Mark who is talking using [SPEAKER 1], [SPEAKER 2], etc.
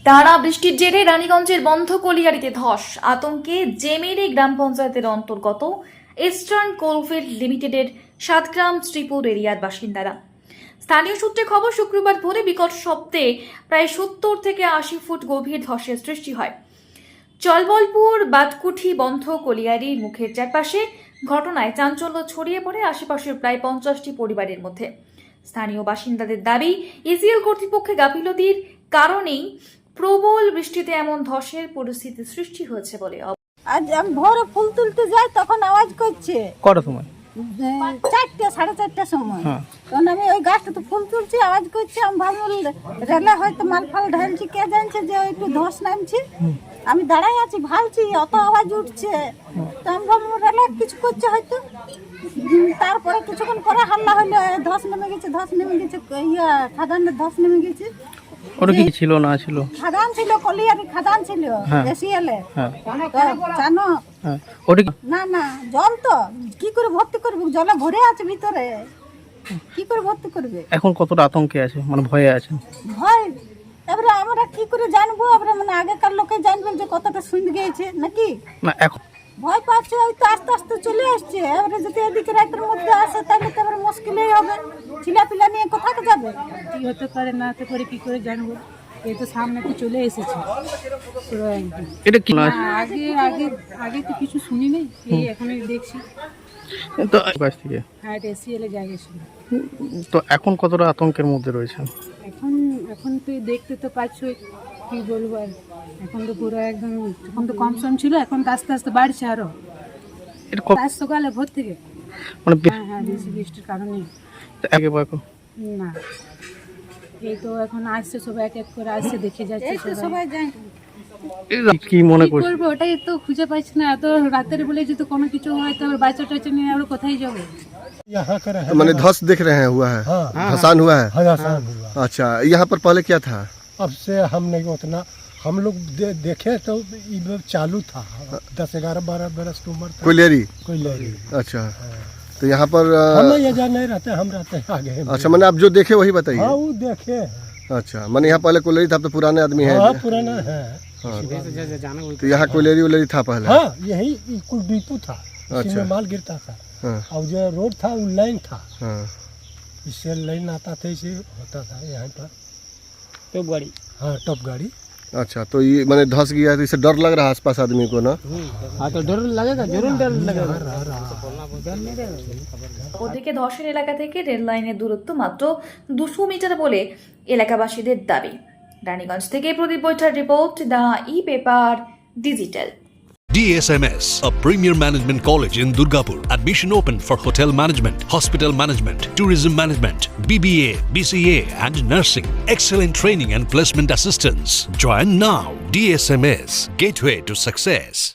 [SPEAKER 1] টানা বৃষ্টির জেরে রানীগঞ্জের বন্ধ কলিয়ারিতে ধস, আতঙ্কে জেমেরি গ্রাম পঞ্চায়েতের অন্তর্গত ইস্টার্ন কোলফিল্ড লিমিটেডের সাতগ্রাম শ্রীপুর এরিয়ার বাসিন্দারা। স্থানীয় সূত্রে খবর, শুক্রবার ভোরে বিকট শব্দে প্রায় 70 থেকে 80 ফুট গভীর ধসের সৃষ্টি হয় চলবলপুর বাটকুঠি বন্ধ কলিয়ারির মুখের চারপাশে। ঘটনায় চাঞ্চল্য ছড়িয়ে পড়ে আশেপাশের প্রায় 50টি পরিবারের মধ্যে। স্থানীয় বাসিন্দাদের দাবি, ইসিএল কর্তৃপক্ষের গাফিলতির কারণেই প্রবল বৃষ্টিতে এমন ধসের পরিস্থিতি সৃষ্টি হয়েছে বলে।
[SPEAKER 2] আজ আমি ভোরে ফুল তুলতে যাই, তখন আওয়াজ করছে
[SPEAKER 3] কটার সময়?
[SPEAKER 2] 4টে 4:30টার সময়। তখন আমি ওই গাছটাতে ফুল তুলছি, আওয়াজ করছে। আমি ভাবলাম রেলে হয়তো মাল ফাল ঢালছি, কে জানছে যে একটু ধস নামছি। আমি দাঁড়াই আছি, ভাবছি অত আওয়াজ উঠছে, তো আমি ভাবলাম রেলে কিছু করছে হয়তো। তারপরে কিছুক্ষণ পরে হাল্লা হইলো, ধস নেমে গেছে, ধস নেমে গেছে, খাদানের ধস নেমে গেছে।
[SPEAKER 3] ওটা কি ছিল না ছিল?
[SPEAKER 2] খাদান ছিল, কলিয়ারি খাদান ছিল, এসিএলে। জানো
[SPEAKER 3] ওটা কি?
[SPEAKER 2] না না, জল তো কি করে ভর্তি করবে, জলে ভরে আছে ভিতরে, কি করে ভর্তি করবে?
[SPEAKER 3] এখন কতটা আতঙ্কে আছে, মানে ভয়ে আছে?
[SPEAKER 2] ভয়, এবারে আমরা কি করে জানবো? এবারে মানে আগেকার লোকে জানবে যে কতটা শুনে গিয়েছে নাকি।
[SPEAKER 3] না এখন
[SPEAKER 2] ভয় পাচ্ছে, ওই তো আস্তে আস্তে চলে আসছে। এবারে যদি এদিকে রাতের মধ্যে আসে তাহলে তো এবারে মুশকিলই হবে। ছিলাপিলা নিয়ে কোথাকে যাবে?
[SPEAKER 4] কি হতে পারে না হতে পারে কি করে জানবো? এই তো সামনে তো চলে এসেছে।
[SPEAKER 3] এটা কি না?
[SPEAKER 4] আগে আগে আগে তো কিছু শুনি নাই, এই এখনই দেখছি।
[SPEAKER 3] তো কাছ থেকে
[SPEAKER 4] হ্যাঁ, এসিএলে জায়গা ছিল।
[SPEAKER 3] তো এখন কতটা আতঙ্কের মধ্যে রয়েছে?
[SPEAKER 4] এখন এখন তো দেখতে তো পাচ্ছই, কি বলবো আর। এখন তো পুরো একদম, এখন তো কম সম ছিল, এখন তো আস্তে আস্তে বাড়ছে আরো।
[SPEAKER 3] এটা
[SPEAKER 4] আজ সকালে ভোর থেকে,
[SPEAKER 3] মানে
[SPEAKER 4] হ্যাঁ বেশি বৃষ্টির কারণে।
[SPEAKER 3] আগে এখন
[SPEAKER 4] না, এই তো এখন আসছে সবাই, এক এক করে আসছে, দেখে যাচ্ছে সবাই।
[SPEAKER 3] কি মনে
[SPEAKER 4] কি
[SPEAKER 3] করছে?
[SPEAKER 4] করবো ওটাই তো খুঁজে পাচ্ছি না। এত রাতের বেলে যদি কোনো কিছু হয় তো বাচ্চা টাচ্চা নিয়ে আমরা কোথায় যাবো?
[SPEAKER 5] तो मैंने धस देख रहे हैं हुआ है, धसान हुआ है।
[SPEAKER 6] हजासान हुआ।
[SPEAKER 5] अच्छा, यहाँ पर पहले क्या था?
[SPEAKER 6] अब से हम नहीं उतना, हम लोग देखे तो ये चालू था, 10-11-12 बरस की उम्र था।
[SPEAKER 5] कोयलेरी।
[SPEAKER 6] कोई ले रही।
[SPEAKER 5] अच्छा, तो यहाँ पर
[SPEAKER 6] हम ये जा नहीं रहते, हम रहते हैं आगे।
[SPEAKER 5] अच्छा, मैंने आप जो देखे वही बताइए।
[SPEAKER 6] हाँ, वो देखे।
[SPEAKER 5] अच्छा, मैंने यहाँ पहले कोयलेरी था, अब तो पुराने आदमी है।
[SPEAKER 6] हाँ, पुराना है।
[SPEAKER 5] हाँ, तो यहाँ कोयलेरी उलेरी था पहले।
[SPEAKER 6] हाँ, यही कुल डिपो था, इसी
[SPEAKER 5] अच्छा।
[SPEAKER 6] में माल गिरता था।
[SPEAKER 5] हाँ,
[SPEAKER 6] और जो रोड था वो लाइन था,
[SPEAKER 5] हाँ।
[SPEAKER 6] इससे लाइन आता था, इसे होता था यहाँ पर
[SPEAKER 3] तो गाड़ी।
[SPEAKER 6] हाँ, टॉप गाड़ी।
[SPEAKER 5] अच्छा, तो ये मैंने धस गया तो इससे डर लग रहा है आसपास आदमी को ना?
[SPEAKER 3] हाँ, तो डर लगेगा, जरूर डर लगेगा।
[SPEAKER 1] ওদিকে ধসের এলাকা থেকে রেল লাইনের দূরত্ব মাত্র 200 মিটার বলে এলাকাবাসীদের দাবি। রানীগঞ্জ থেকে Pradip Baitha report, the epaper digital.
[SPEAKER 7] DSMS, a premier management college in Durgapur. Admission open for hotel management, hospital management, tourism management, BBA, BCA and nursing. Excellent training and placement assistance. Join now. DSMS, gateway to success.